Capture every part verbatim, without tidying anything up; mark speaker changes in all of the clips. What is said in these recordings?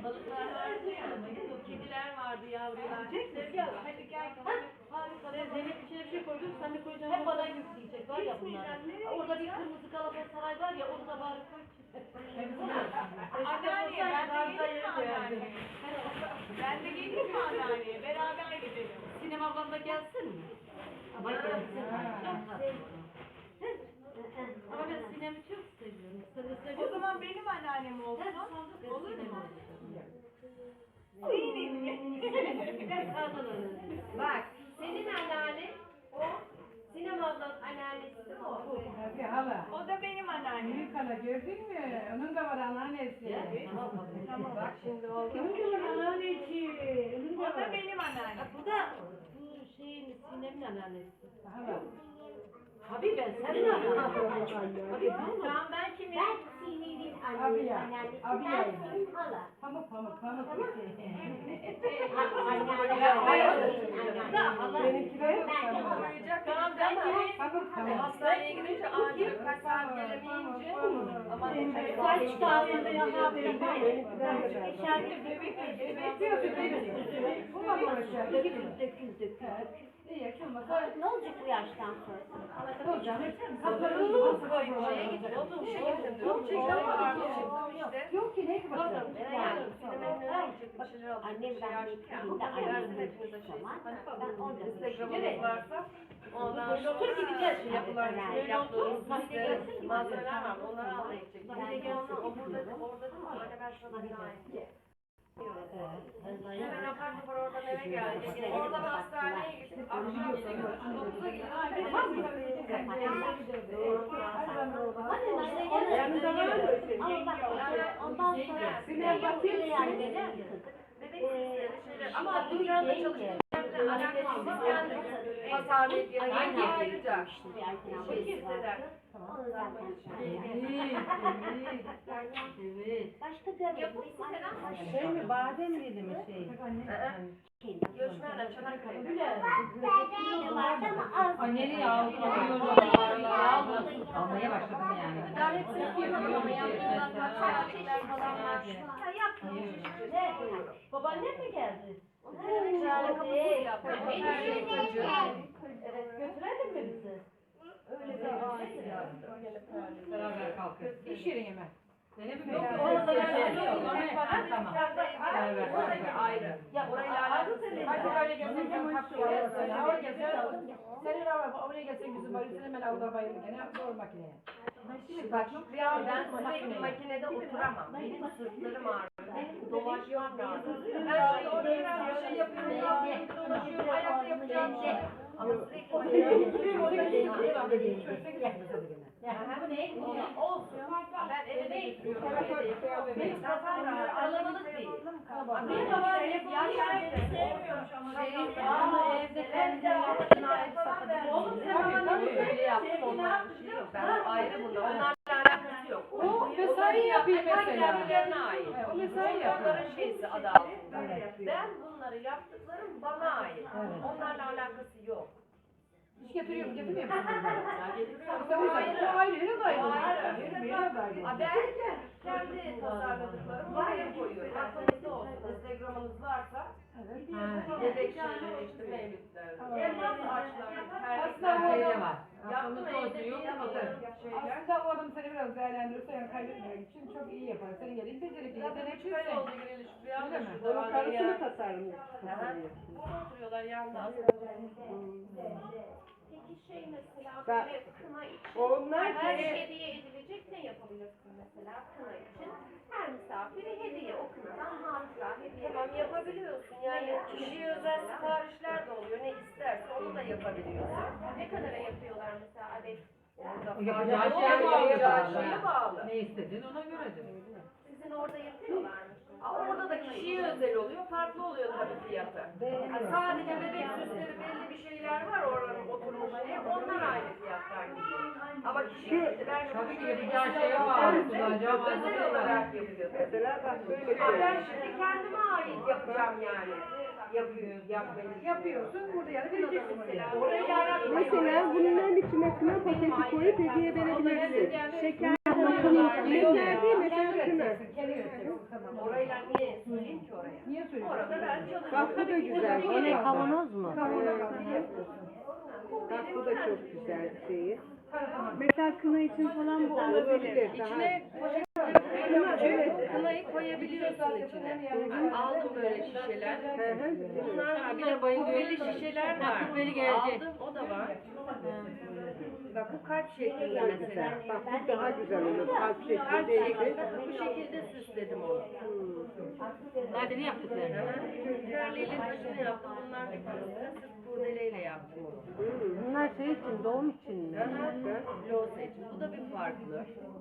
Speaker 1: balıklar vardı ya, kediler vardı yavrular. Sevgi al, hadi gel. Harika. Zeynep içine bir şey koydum, sen de koyacaksın. Hep bana yükleyecek var ya bunlar. Orada bir kırmızı Galatasaray var ya, onu da bari koy.
Speaker 2: Anneanneye ben de geleyim mi anneanneye? Ben de geleyim mi anneanneye? Beraber gidelim.
Speaker 1: Sinem ablam da gelsin mi? Ama gelsin. Ama ben Sinem'i çok seviyorum. Sen de seviyor
Speaker 2: O
Speaker 1: musun?
Speaker 2: zaman benim anneannem olsun. Olur mu?
Speaker 3: Bak, senin anneannen o, Sinem ablanın anneannesi de o.
Speaker 4: Tabii hala.
Speaker 2: O da benim anneannem.
Speaker 4: Büyük hala gördün mü? Onun da var anneannesi.
Speaker 3: Tamam, bak şimdi oldu.
Speaker 4: Onun da var anneannesi. Onun
Speaker 2: O
Speaker 4: da
Speaker 2: da
Speaker 4: var.
Speaker 2: benim anneannem.
Speaker 1: Bu da bu şeyin Sinem'in anneannesi.
Speaker 4: Hala.
Speaker 1: Tabii ben senin anneannesi. Tabii
Speaker 2: Tamam ben kimim?
Speaker 3: Ben Sinem'in
Speaker 4: Abi ya,
Speaker 3: annesi,
Speaker 4: abi
Speaker 3: ben
Speaker 4: ya.
Speaker 3: senin hala.
Speaker 4: Pamuk pamuk pamuk. Benimkiler yok.
Speaker 2: Tamam ben kimim?
Speaker 4: Pamuk pamuk.
Speaker 2: Hastaneye gidince acil kaç saat gelemeyince. Ama
Speaker 1: Kaç tane de yana verin.
Speaker 2: kendi bebek bebek
Speaker 4: Diyor ki benim. Bu da uğraşıyor.
Speaker 1: Dökül dökül dökül.
Speaker 4: İyi yakılmasa.
Speaker 3: Ne olacak bu yaştan sonra?
Speaker 4: Ne olacak?
Speaker 1: Şeye gidiyor. Oğlum şeye
Speaker 4: Yok ki ne ki bakalım.
Speaker 3: Annem ben gittiğimde annem gittiği zaman ben orada
Speaker 2: Instagram'ımız varsa ondan
Speaker 1: Otur gideceğiz şimdi.
Speaker 2: yapılar
Speaker 3: Yani
Speaker 2: yaptığımız
Speaker 1: Mahalleye
Speaker 2: liste
Speaker 1: gelsin.
Speaker 2: malzemeler var. Onları almaya gidecek.
Speaker 3: Yani
Speaker 2: Orada orada değil mi? Anne ben şuna bir daha edeyim. Hemen apar topar oradan eve geldik. Oradan hastaneye gittik. Akşam dokuza gittik.
Speaker 4: Yanında var mı?
Speaker 3: ama bak ondan sonra
Speaker 4: Sinem bakayım.
Speaker 3: yani neler yıkadık.
Speaker 2: Bebek sesleri şeyler. Ama dünyada çalıştığım yerde alakasız yani. Pazarlayıp yenge ayrıca. Şey hisseder.
Speaker 3: Onu zaten
Speaker 1: Evet.
Speaker 3: başka görmedim.
Speaker 2: Yapısı falan.
Speaker 4: Şey mi badem miydi mi şey?
Speaker 2: Göçmenler Çanakkale'de.
Speaker 3: Bebeği vardı ama az.
Speaker 5: Anneni aldım, almaya başladım yani.
Speaker 2: Daha hepsini yapıyorum ama yaptığımdan çiçekler falan var. Ya yaptığım
Speaker 1: Babaannem mi geldi? Evet, götürelim mi bizi? Öyle bir
Speaker 5: Beraber kalkıyoruz.
Speaker 4: İş yerine mi?
Speaker 5: Zeynep'im
Speaker 2: Yok,
Speaker 5: yok.
Speaker 2: orada
Speaker 5: Şey
Speaker 2: yani
Speaker 5: yok. Tamam.
Speaker 2: Evet, orada ayrı.
Speaker 1: Ya
Speaker 2: Orayla alakası yok.
Speaker 4: Hadi böyle gelsin ben kapıyorum. Oraya gelsin. Senin araba oraya gelsin bizim bayılır. Hemen avda bayılır. Gene zor makineye.
Speaker 2: Bak ya ben sürekli makinede oturamam. Benim sırtlarım ağrıyor. Benim dolaşmam lazım. Ben şimdi orada biraz bir şey yapıyorum. Dolaşıyorum, dolaşıyorum. Ayakta yapacağım şey. Ama sürekli makinede oturuyorum.
Speaker 1: Bu ne?
Speaker 2: Olsun. Ben eve de getiriyorum. Benim kafam aralamalık değil. Benim babam hep yaşarken sevmiyormuş ama.
Speaker 1: Ama evde kendi
Speaker 2: yaptığına ait sakın. Oğlum sen bana böyle yaptın ondan bir şey yok. Ben ayrı bunlar. Onlarla alakası yok.
Speaker 4: O mesai yapıyor mesela.
Speaker 2: Kendilerine ait.
Speaker 4: Evet, o mesai yapıyor.
Speaker 2: Onların şeysi adı altında. Ben bunları yaptıklarım bana ait. Onlarla alakası yok.
Speaker 4: İş getiriyor mu? Getirmiyor mu?
Speaker 2: Ya getiriyorum.
Speaker 4: İşte o yüzden o ayrı, yine de ayrı.
Speaker 2: O ayrı.
Speaker 4: Yine de ayrı.
Speaker 2: Ha, ben kendi tasarladıklarımı oraya koyuyorum. Aklınızda olsun. Instagram'ınız varsa bebek şeyleri işte mevlütler. Elmas ağaçları,
Speaker 4: Aslında
Speaker 2: terlikler.
Speaker 4: o
Speaker 5: var.
Speaker 2: Yaptım evde bir yapalım. Şeyler.
Speaker 4: Aslında o adam seni biraz değerlendirirse yani kaybetmemek için çok iyi yapar. Senin gelin becerikli,
Speaker 2: Zaten üç
Speaker 4: yeteneklisin.
Speaker 2: ay oldu gireli Şükrü abla
Speaker 4: Öyle mi?
Speaker 2: şurada var. Karısını
Speaker 4: tasarlıyor.
Speaker 2: Burada oturuyorlar yalnız.
Speaker 3: Peki şey mesela
Speaker 4: Ben-
Speaker 3: böyle kına için
Speaker 4: Onlar
Speaker 3: her
Speaker 4: şey-
Speaker 3: hediye edilecek ne yapabilirsin mesela kına için? Her misafire hediye o kınadan hatıra hediye.
Speaker 2: Tamam yapabiliyorsun yani kişiye özel siparişler de oluyor ne isterse onu da yapabiliyorsun.
Speaker 3: Ne kadara yapıyorlar mesela adet?
Speaker 2: Orada
Speaker 5: Yapacağı
Speaker 2: fazla-
Speaker 5: şeye bağlı.
Speaker 2: yapacağı şeye bağlı.
Speaker 5: Ne istediğin ona göredir.
Speaker 3: Sizin orada yapıyorlar mı?
Speaker 2: Ama orada da kişiye özel oluyor, farklı oluyor tabii fiyatı. Ha, sadece bebek süsleri belli bir şeyler var oranın oturmuş diye, onlar aynı fiyatlar gidiyor. Ama kişi ben
Speaker 5: Tabii ki
Speaker 2: şöyle
Speaker 5: yapacağı
Speaker 2: istedim,
Speaker 5: şeye bağlı,
Speaker 2: özel
Speaker 5: kullanacağı malzemeye
Speaker 2: olarak yapıyor. Mesela bak böyle ha, ben şimdi kendime ait yapacağım yani. Yapıyor, yapmayı.
Speaker 4: Yapıyorsun, burada yani vereceksin
Speaker 2: Mesela
Speaker 4: oraya.
Speaker 2: orayla alakalı.
Speaker 6: Mesela bunların içine kına paketi koyup hediye verebilirsin. Şeker koyuyorlar. Şeker değil mesela kına.
Speaker 4: Kendi götüreceksin, tamam.
Speaker 2: Orayla niye?
Speaker 3: oraya.
Speaker 4: Niye söylüyorsun?
Speaker 3: Orada ben çalışıyorum.
Speaker 6: Bak bu da güzel.
Speaker 1: O ne kavanoz mu?
Speaker 6: Bak bu da çok güzel şeyi. Mesela kına için falan bu olabilir. Daha...
Speaker 2: İçine kınayı koyabiliyorsun içine. Aldım böyle şişeler. Bunlar var. Bir de bayılıyor şişeler var.
Speaker 1: Böyle gelecek.
Speaker 2: Aldım, o da var. Bak bu kalp şeklinde
Speaker 6: Çok
Speaker 2: mesela.
Speaker 6: güzel. Bak bu daha güzel olur. Kalp
Speaker 2: Kalp
Speaker 6: şeklindeydi.
Speaker 2: şeklinde bu şekilde süsledim onu.
Speaker 1: Hadi ne yaptıklarını?
Speaker 2: Körlüğüyle taşını yaptım. Bunlar da kırmızı. Sırf kurdeleyle yaptım onu.
Speaker 1: Bunlar şey için, doğum için mi?
Speaker 2: Loğusa için. Bu da bir farklı.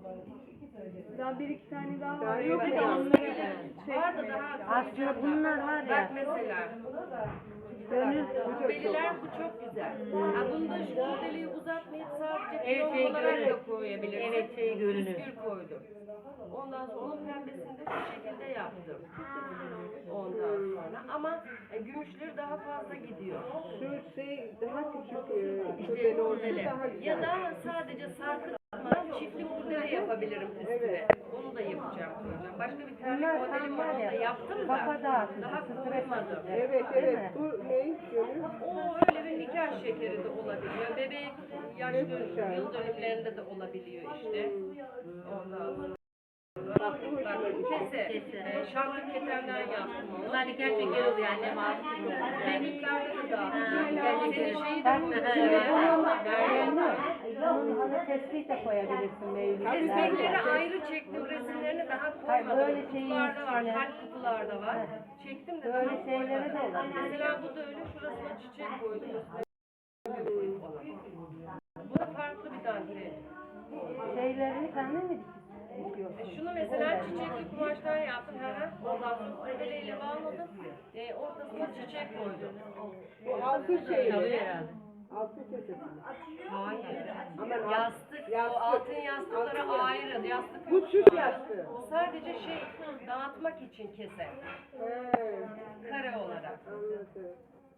Speaker 6: Daha bir iki tane daha
Speaker 2: Daha
Speaker 6: var.
Speaker 2: yok
Speaker 6: Yok
Speaker 2: da
Speaker 6: mu?
Speaker 2: var da daha
Speaker 1: Aslında bunlar var
Speaker 2: Bak
Speaker 1: ya.
Speaker 2: mesela.
Speaker 1: Gönül.
Speaker 2: Kubbeliler bu çok güzel. Ha, bunda şu kubbeliyi uzatmayıp sadece
Speaker 1: Evet,
Speaker 2: piyano
Speaker 1: şey
Speaker 2: olarak
Speaker 1: görünür.
Speaker 2: da koyabilirsin.
Speaker 1: Evet, şey görünür.
Speaker 2: Püskül koydum. Ondan sonra onun pembesini de şu şekilde yaptım. Ondan sonra ama e, gümüşleri daha fazla gidiyor.
Speaker 6: Şu şey daha küçük e,
Speaker 2: İşte
Speaker 6: kurdele olsun
Speaker 2: kurdele.
Speaker 6: daha güzel.
Speaker 2: Ya da sadece sarkıtma çiftli kurdele yapabilirim üstüne. Onu da yapacağım koyacağım. Başka bir terlik modelim var, onu da yaptım da daha koymadım.
Speaker 6: Evet evet. Bu ne? Gönül?
Speaker 2: O öyle bir nikah şekeri de olabiliyor. Bebek yaş dönüm, yıl dönümlerinde de olabiliyor işte. Ondan sonra.
Speaker 6: Bak bu
Speaker 2: Bak
Speaker 6: hoşuma
Speaker 2: bu
Speaker 6: gitti.
Speaker 2: kese, e, şarkı keterden yaptım onu.
Speaker 1: Bunlar nikah şekeri oluyor annem abi.
Speaker 2: Benliklerde de dağıttım.
Speaker 1: Nikah şekeri.
Speaker 2: Senin şeyi de
Speaker 1: Bak
Speaker 2: koydum.
Speaker 1: şimdi bunun
Speaker 2: Meryem.
Speaker 1: bunun hani tespih de koyabilirsin mevlüt.
Speaker 2: Resimleri ayrı çektim, resimlerini daha
Speaker 1: Hayır,
Speaker 2: koymadım.
Speaker 1: böyle şeyin
Speaker 2: Kutularda var,
Speaker 1: içine-
Speaker 2: kalp kutularda var. Çektim de
Speaker 1: Böyle
Speaker 2: daha
Speaker 1: şeylere de
Speaker 2: koymadım.
Speaker 1: olabilir.
Speaker 2: Mesela bu da öyle, şurasına çiçek koydum. üstüne koydum ona. Bu da farklı bir dantel.
Speaker 1: Şeylerini kendin mi dikiyorsun?
Speaker 2: E, Şunu mesela çiçekli kumaştan yaptım. Hı hı. Ondan sonra kurdeleyle bağladım. E, ortasına çiçek koydum.
Speaker 6: Bu altın şey
Speaker 1: Çalıyor
Speaker 6: mi?
Speaker 1: herhalde.
Speaker 6: Altın kesesi.
Speaker 2: Hayır.
Speaker 6: Ama
Speaker 2: Yastık,
Speaker 6: Yastık.
Speaker 2: o altın yastıkları ayrı. Yastık
Speaker 6: Bu
Speaker 2: yok.
Speaker 6: Türk yastığı.
Speaker 2: O sadece şey, dağıtmak için kese.
Speaker 6: He,
Speaker 2: Kare olarak.
Speaker 6: anladım.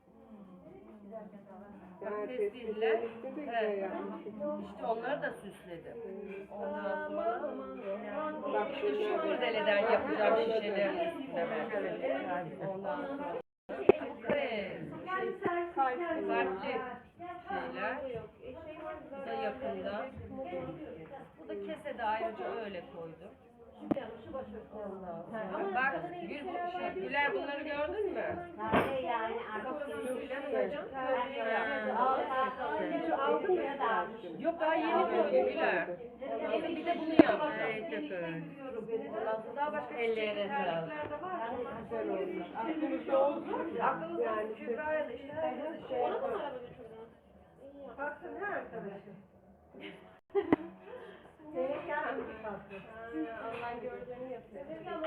Speaker 6: Yani
Speaker 2: Tespihler.
Speaker 6: tespihler işte de güzel
Speaker 2: Evet.
Speaker 6: yapmışsın.
Speaker 2: İşte onları da süsledim. Ondan sonra
Speaker 6: Bak
Speaker 2: işte şu kurdeleden yapacağım şişelerin üstüne ben. Ondan sonra bu kare, kalpli şeyler. Bu da yakında. Bu da kesede ayrıca öyle koydum. Ondan sonra bak Gül, şey, Güler bunları gördün mü? Kafasını suyla koyacağım. Körlüğe yaptım. Yok daha yeni koydum Güler. Yeni bir de bunu yapacağım. Ondan sonra daha başka çiçekler de var.
Speaker 6: güzel olmuş. Aklımızda olsun.
Speaker 2: Aklımızda yani Kübra'ya da işte herkese şey.
Speaker 3: Ona da mı araba götürdün?
Speaker 2: Baksın her arkadaşım. Allah'ın gördüğünü yapıyor.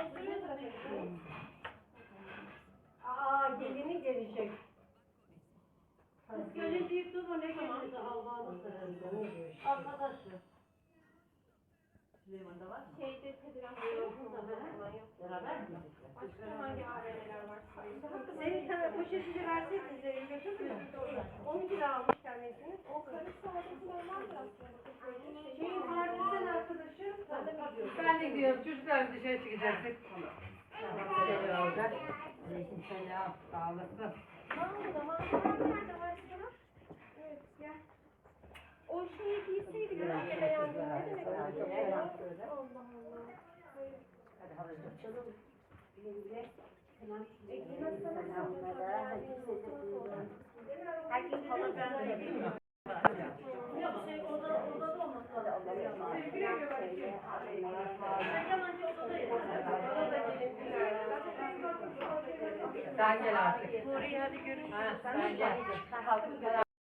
Speaker 3: Aa gelini gelecek. Kız gelin deyip durma ne gelini de Allah'ını seversen. Arkadaşı. Süleyman'da var mı? Şeyde Kadir yok. Beraber mi? Başka hangi aileler var? Senin sana poşetini versek bizlere götürmüyor. on kilo almış kendisini. O karı sağlıklı normal aslında. Şeyin partiden arkadaşı.
Speaker 5: Ben de gidiyorum. Çocuklar dışarı çıkacaktık. Şöyle olacak. Selam. Sağ olasın.
Speaker 3: Mağazada mağazalar nerede var sana? Evet gel. O şeyi giyseydik ben beğendim. Ne demek? Allah Allah. Herkes falan ben Yok şey oda odada olması lazım. Yalancı odadayız.
Speaker 5: Sen gel artık.
Speaker 2: Nuriye hadi görüşürüz.
Speaker 5: Ha, sen gel.